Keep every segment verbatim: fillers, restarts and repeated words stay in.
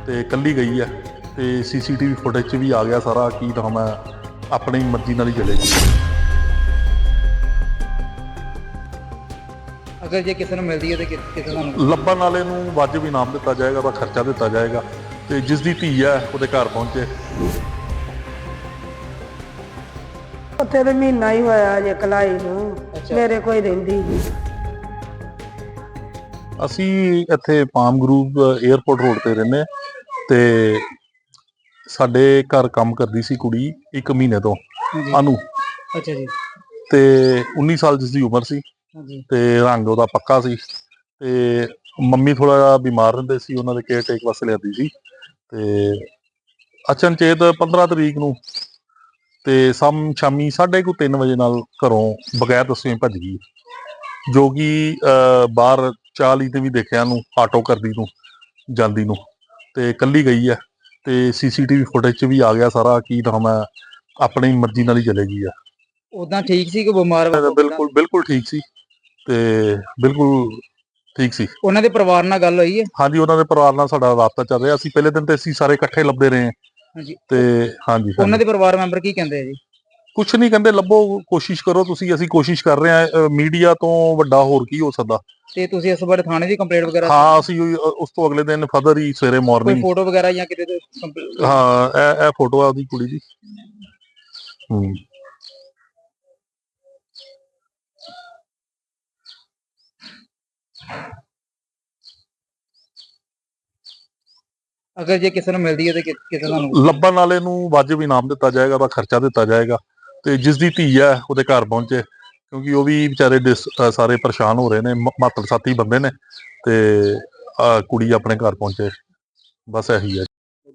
ਤੇ ਕੱਲੀ ਗਈ ਹੈ ਤੇ ਸੀਸੀਟੀਵੀ ਫੁਟੇਜ 'ਚ ਵੀ ਆ ਗਿਆ ਸਾਰਾ ਕੀ ਨਾਮ ਹੈ, ਆਪਣੀ ਮਰਜ਼ੀ ਨਾਲ ਹੀ ਚਲੇਗੀ। ਅਗਰ ਜੇ ਕਿਸੇ ਨੂੰ ਮਿਲਦੀ ਹੈ ਤੇ ਕਿ- ਕਿਸੇ ਤੁਹਾਨੂੰ ਲੱਭਣ ਵਾਲੇ ਨੂੰ ਵਾਜਬ ਇਨਾਮ ਦਿੱਤਾ ਜਾਏਗਾ, ਉਹਦਾ ਖਰਚਾ ਦਿੱਤਾ ਜਾਏਗਾ ਤੇ ਜਿਸ ਦੀ ਧੀ ਹੈ ਉਹਦੇ ਘਰ ਪਹੁੰਚੇ। ਉੱਥੇ ਤੇ ਮਹੀਨਾ ਹੀ ਹੋਇਆ ਜੇ ਕਲਾਈ ਨੂੰ, ਅੱਛਾ। ਮੇਰੇ ਕੋਈ ਰਹਿੰਦੀ ਨੀ। ਅਸੀਂ ਇੱਥੇ ਪਾਮ ਗਰੂਵ 에ਅਰਪੋਰਟ ਰੋਡ ਤੇ ਰਹਿੰਦੇ ਹਾਂ ਤੇ ਸਾਡੇ ਘਰ ਕੰਮ ਕਰਦੀ ਸੀ ਕੁੜੀ ਇੱਕ ਮਹੀਨੇ ਤੋਂ, ਹਾਂਜੀ। ਅਨੂ, ਅੱਛਾ ਜੀ। ਤੇ ਉੱਨੀ ਸਾਲ ਜਿਸ ਦੀ ਉਮਰ ਸੀ ਹਾਂਜੀ। ਤੇ ਰੰਗ ਉਹਦਾ ਪੱਕਾ ਸੀ ਤੇ ਮੰਮੀ ਥੋੜਾ ਜਿਹਾ ਬਿਮਾਰ ਰਹਿੰਦੇ ਸੀ, ਉਹਨਾਂ ਦੇ ਕੇਅਰ ਟੇਕ ਵਾਸਤੇ ਲਿਆਂਦੀ ਸੀ ਤੇ ਅਚਨਚੇਤ ਪੰਦਰਾਂ ਤਰੀਕ ਨੂੰ ਤੇ ਸਮ ਸ਼ਾਮੀ ਸਾਢੇ ਕੁ ਤਿੰਨ ਵਜੇ ਨਾਲ ਘਰੋਂ ਬਗੈਰ ਦੱਸੇ ਭੱਜ ਗਈ, ਜੋ ਕਿ ਅਹ ਬਾਹਰ ਚਾਲੀ ਤੇ ਵੀ ਦੇਖਿਆ ਨੂੰ ਆਟੋ ਕਰਦੀ ਨੂੰ ਜਾਂਦੀ ਨੂੰ, ਤੇ ਕੱਲੀ ਗਈ ਹੈ ਤੇ ਸੀਸੀਟੀਵੀ ਫੁਟੇਜ 'ਚ ਵੀ ਆ ਗਿਆ ਸਾਰਾ ਕੀ ਨਾਮ ਹੈ, ਆਪਣੀ ਮਰਜ਼ੀ ਨਾਲ ਹੀ ਚਲੇਗੀ ਆ। ਉਦਾਂ ਠੀਕ ਸੀ ਕਿ ਬਿਮਾਰ ਵਾ- ਬਿਲਕੁਲ ਬਿਲਕੁਲ ਠੀਕ ਸੀ ਤੇ ਬਿਲਕੁਲ ਠੀਕ ਸੀ। ਉਹਨਾਂ ਦੇ ਪਰਿਵਾਰ ਨਾਲ ਗੱਲ ਹੋਈ ਹੈ? ਹਾਂਜੀ, ਉਹਨਾਂ ਦੇ ਪਰਿਵਾਰ ਨਾਲ ਸਾਡਾ ਰਾਬਤਾ ਚੱਲ ਰਿਹਾ। ਅਸੀਂ ਪਹਿਲੇ ਦਿਨ ਤੇ ਅਸੀਂ ਸਾਰੇ ਇਕੱਠੇ ਲੱਭਦੇ ਰਹੇ ਹਾਂਜੀ। ਤੇ ਹਾਂਜੀ ਉਹਨਾਂ ਹਾਂਜੀ ਦੇ ਪਰਿਵਾਰ ਮੈਂਬਰ ਕੀ ਕਹਿੰਦੇ ਆ ਜੀ? ਕੁਛ ਨਹੀਂ ਕਹਿੰਦੇ, ਲੱਭੋ, ਕੋਸ਼ਿਸ਼ ਕਰੋ ਤੁਸੀਂ, ਅਸੀਂ ਕੋਸ਼ਿਸ਼ ਕਰ ਰਹੇ ਹਾਂ। ਮੀਡੀਆ ਤੋਂ ਵੱਡਾ ਹੋਰ ਕੀ ਹੋ ਸਕਦਾ। ਤੇ ਤੁਸੀਂ ਇਸ ਬਾਰੇ ਥਾਣੇ ਦੀ ਕੰਪਲੇਂਟ ਵਗੈਰਾ? ਹਾਂ, ਅਸੀਂ ਉਹੀ- ਉਸ ਤੋਂ ਅਗਲੇ ਦਿਨ ਫਦਰ ਹੀ ਸਵੇਰੇ ਕੋਈ ਮਾਰਨਿੰਗ। ਫੋਟੋ ਵਗੈਰਾ ਜਾਂ ਕਿਤੇ ਤੇ ਕੰਪਲੇਂਟ? ਹਾਂ, ਇਹ ਇਹ ਫੋਟੋ ਆ ਉਹਦੀ ਕੁੜੀ ਦੀ। ਹੂੰ। ਅਗਰ ਜੇ ਕਿਸੇ ਨੂੰ ਮਿਲਦੀ ਹੈ ਤੇ ਕਿ- ਕਿਸੇ ਤੁਹਾਨੂੰ ਲੱਭਣ ਵਾਲੇ ਨੂੰ ਵਾਜਬ ਇਨਾਮ ਦਿੱਤਾ ਜਾਏਗਾ, ਉਹਦਾ ਖਰਚਾ ਦਿੱਤਾ ਜਾਏਗਾ ਤੇ ਜਿਸ ਦੀ ਧੀ ਹੈ ਉਹਦੇ ਘਰ ਪਹੁੰਚੇ, ਕਿਉਂਕਿ ਉਹ ਵੀ ਵਿਚਾਰੇ ਦਿਸ ਅਹ ਸਾਰੇ ਪਰੇਸ਼ਾਨ ਹੋ ਰਹੇ ਨੇ, ਮਾਤੜ ਸਾਥੀ ਬੰਦੇ ਨੇ ਤੇ ਆਹ ਕੁੜੀ ਆਪਣੇ ਘਰ ਪਹੁੰਚੇ, ਬਸ ਇਹੀ ਹੈ।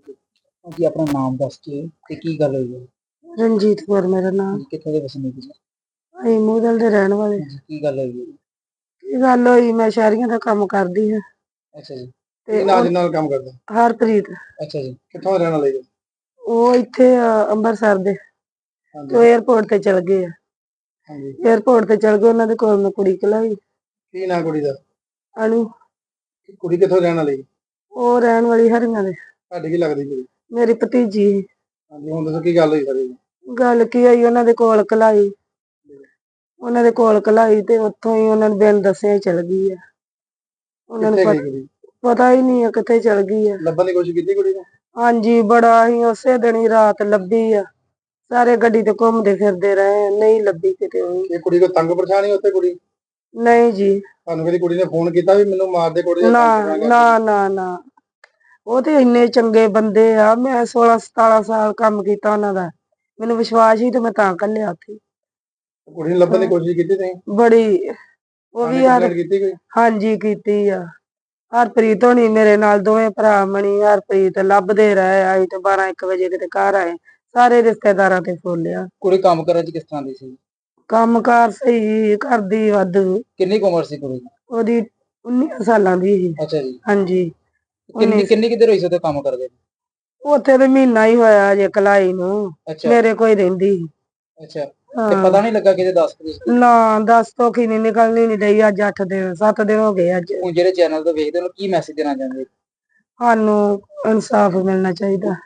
ਜੀ ਆਪਣਾ ਨਾਮ ਦੱਸ ਕੇ ਤੇ ਕੀ ਗੱਲ ਹੋਈ ਹੈ? ਰਣਜੀਤ ਕੌਰ ਮੇਰਾ ਨਾਮ। ਕਿੱਥੋਂ ਦੇ ਵਸਨੀਕ ਜੀ? ਅਸੀਂ ਮੂਦਲ ਦੇ ਰਹਿਣ ਵਾਲੇ। ਹਾਂਜੀ, ਕੀ ਗੱਲ ਹੋਈ ਹੈ? ਕੀ ਗੱਲ ਹੋਈ, ਮੈਂ ਸ਼ਹਿਰੀਆਂ ਦਾ ਕੰਮ ਕਰਦੀ ਹਾਂ ਅੱਛਾ ਜੀ। ਤੇ ਕੀ ਨਾਲ ਨਾਲ ਕੰਮ ਕਰਦਾ? ਹਰਪ੍ਰੀਤ। ਅੱਛਾ ਜੀ। ਕਿੱਥੋਂ ਰਹਿਣ ਵਾਲੇ ਜੀ? ਉਹ ਇੱਥੇ ਆ ਅੰਮ੍ਰਿਤਸਰ ਦੇ, ਤੇ ਉਹ 에ਅਰਪੋਰਟ ਤੇ ਚਲ ਗਏ ਆ। ਹਾਂਜੀ। 에ਅਰਪੋਰਟ ਤੇ ਚਲ ਗਏ, ਉਹਨਾਂ ਦੇ ਕੋਲ ਮੈਂ ਕੁੜੀ ਘਲਾਈ। ਕੀ ਨਾਂ ਕੁੜੀ ਦਾ? ਅਨੂ। ਕੁੜੀ ਕਿੱਥੋਂ ਰਹਿਣ ਵਾਲੀ? ਉਹ ਰਹਿਣ ਵਾਲੀ ਹਰੀਆਂ ਦੇ। ਤੁਹਾਡੀ ਕੀ ਲੱਗਦੀ ਕੁੜੀ? ਮੇਰੀ ਭਤੀਜੀ। ਹਾਂਜੀ, ਹੁਣ ਦੱਸੋ ਕੀ ਗੱਲ ਹੋਈ ਸਾਰੀ? ਗੱਲ ਕੀ ਹੋਈ, ਉਹਨਾਂ ਦੇ ਕੋਲ ਘਲਾਈ, ਉਹਨਾਂ ਦੇ ਕੋਲ ਘਲਾਈ ਤੇ ਉੱਥੋਂ ਹੀ ਉਹਨਾਂ ਨੂੰ ਬਿਨ ਦੱਸਿਆ ਹੀ ਚਲ ਗਈ ਆ। ਉਹਨਾਂ ਨੂੰ ਕਿੱਥੇ ਗਈ ਪਤਾ ਕੁੜੀ? ਪਤਾ ਹੀ ਨਹੀਂ ਆ ਕਿੱਥੇ ਚਲ ਗਈ ਆ। ਲੱਭਣ ਦੀ ਕੋਸ਼ਿਸ਼ ਕੀਤੀ ਕੁੜੀ ਨੂੰ? ਹਾਂਜੀ, ਬੜਾ ਹੀ ਉਸੇ ਦਿਨ ਹੀ ਰਾਤ ਲੱਭੀ ਆ। ਸਾਰੇ ਗੱਡੀ ਤੇ ਘੁੰਮਦੇ ਫਿਰਦੇ ਰਹੇ, ਨਹੀਂ ਲੱਭੀ ਕਿਤੇ ਵੀ। ਇਹ ਕੁੜੀ ਕੋ ਤੰਗ ਪਰੇਸ਼ਾਨ ਹੀ ਉੱਥੇ ਕੁੜੀ? ਨਹੀਂ ਜੀ। ਤੁਹਾਨੂੰ ਕਦੀ ਕੁੜੀ ਨੇ ਫੋਨ ਕੀਤਾ ਵੀ ਮੈਨੂੰ ਮਾਰ ਦੇ ਕੁੜੀ ਦਾ? ਨਾ ਨਾ ਨਾ ਨਾ, ਉਹ ਤੇ ਇੰਨੇ ਚੰਗੇ ਬੰਦੇ ਆ। ਮੈਂ ਸੋਲਾਂ ਸਤਾਰਾਂ ਸਾਲ ਕੰਮ ਕੀਤਾ ਉਹਨਾਂ ਦਾ, ਮੈਨੂੰ ਵਿਸ਼ਵਾਸ ਹੀ ਤੇ ਮੈਂ ਤਾਂ ਘੱਲਿਆ ਉੱਥੇ। ਕੁੜੀ ਨੂੰ ਲੱਭਣ ਦੀ ਕੋਸ਼ਿਸ਼ ਕੀਤੀ ਤੁਸੀਂ? ਬੜੀ। ਉਹ ਵੀ ਯਾਰ, ਕੀਤੀ ਕੋਈ? ਹਾਂਜੀ ਕੀਤੀ ਆ। ਹਰਪ੍ਰੀਤ ਹੋਣੀ ਮੇਰੇ ਨਾਲ, ਦੋਵੇਂ ਭਰਾ ਮਣੀ ਹਰਪ੍ਰੀਤ ਲੱਭਦੇ ਰਹੇ। ਆਈ ਤੇ ਬਾਰਾਂ ਇੱਕ ਵਜੇ ਕਿਤੇ ਘਰ ਆਏ, ਸਾਰੇ ਰਿਸ਼ਤੇਦਾਰਾਂ ਤੇ ਫੋਲਿਆ। ਕੁੜੀ ਕੰਮ ਕਰਨ ਚ ਕਿਸ ਤਰ੍ਹਾਂ ਦੀ ਸੀ? ਕੰਮ ਕਾਰ ਸਹੀ ਕਰਦੀ, ਵਾਧੂ। ਕਿੰਨੀ ਕੁ ਉਮਰ ਸੀ ਕੁੜੀ ਦੀ? ਉਹਦੀ ਉੱਨੀ ਸਾਲਾਂ ਦੀ ਸੀ। ਅੱਛਾ ਜੀ। ਹਾਂਜੀ। ਕਿੰਨੀ ਕਿੰਨੀ ਕਿੱਧਰ ਹੋਈ ਸੀ ਉੱਥੇ ਕੰਮ ਕਰਦੇ? ਉੱਥੇ ਤੇ ਮਹੀਨਾ ਹੀ ਹੋਇਆ ਜੇ ਕਲਾਈ ਨੂੰ, ਅੱਛਾ। ਮੇਰੇ ਕੋਈ ਰਹਿੰਦੀ। ਅੱਛਾ, ਤੇ ਪਤਾ ਨਹੀਂ ਲੱਗਾ ਕਿਤੇ ਦੱਸ? ਨਾ, ਦੱਸ ਤੋਂ ਕੀ ਨੀ ਨਿਕਲਣੀ ਨੀ ਰਹੀ। ਅੱਜ ਅੱਠ ਦਿਨ ਸੱਤ ਦਿਨ ਹੋ ਗਏ ਅੱਜ। ਹੁਣ ਜਿਹੜੇ ਚੈਨਲ ਤੋਂ ਵੇਖਦੇ ਹੋ, ਕੀ ਮੈਸੇਜ ਦੇਣਾ ਚਾਹੁੰਦੇ? ਸਾਨੂੰ ਇਨਸਾਫ ਮਿਲਣਾ ਚਾਹੀਦਾ।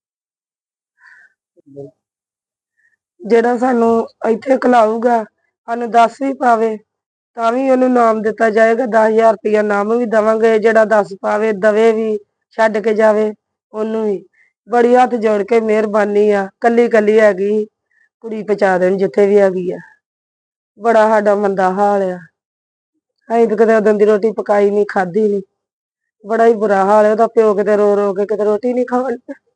ਜਿਹੜਾ ਸਾਨੂੰ ਇੱਥੇ ਘਲਾਊਗਾ, ਸਾਨੂੰ ਦੱਸ ਵੀ ਪਾਵੇ ਤਾਂ ਵੀ ਉਹਨੂੰ ਇਨਾਮ ਦਿੱਤਾ ਜਾਏਗਾ। ਦਸ ਹਜ਼ਾਰ ਰੁਪਇਆ ਇਨਾਮ ਵੀ ਦੇਵਾਂਗੇ। ਜਿਹੜਾ ਦੱਸ ਪਾਵੇ, ਦਵੇ ਵੀ, ਛੱਡ ਕੇ ਜਾਵੇ ਉਹਨੂੰ ਵੀ। ਬੜੀ ਹੱਥ ਜੋੜ ਕੇ ਮਿਹਰਬਾਨੀ ਆ, ਕੱਲੀ ਕੱਲੀ ਹੈਗੀ, ਕੁੜੀ ਪਹੁੰਚਾ ਦੇਣ ਜਿੱਥੇ ਵੀ ਹੈਗੀ ਆ। ਬੜਾ ਸਾਡਾ ਮੰਦਾ ਹਾਲ ਆ। ਅਸੀਂ ਤਾਂ ਕਦੇ ਉਦਣ ਦੀ ਰੋਟੀ ਪਕਾਈ ਨੀ, ਖਾਧੀ ਨੀ। ਬੜਾ ਹੀ ਬੁਰਾ ਹਾਲ ਹੈ ਉਹਦਾ। ਪਿਓ ਕਿਤੇ ਰੋ ਰੋ ਕੇ ਕਿਤੇ ਰੋਟੀ ਨੀ ਖਾਣ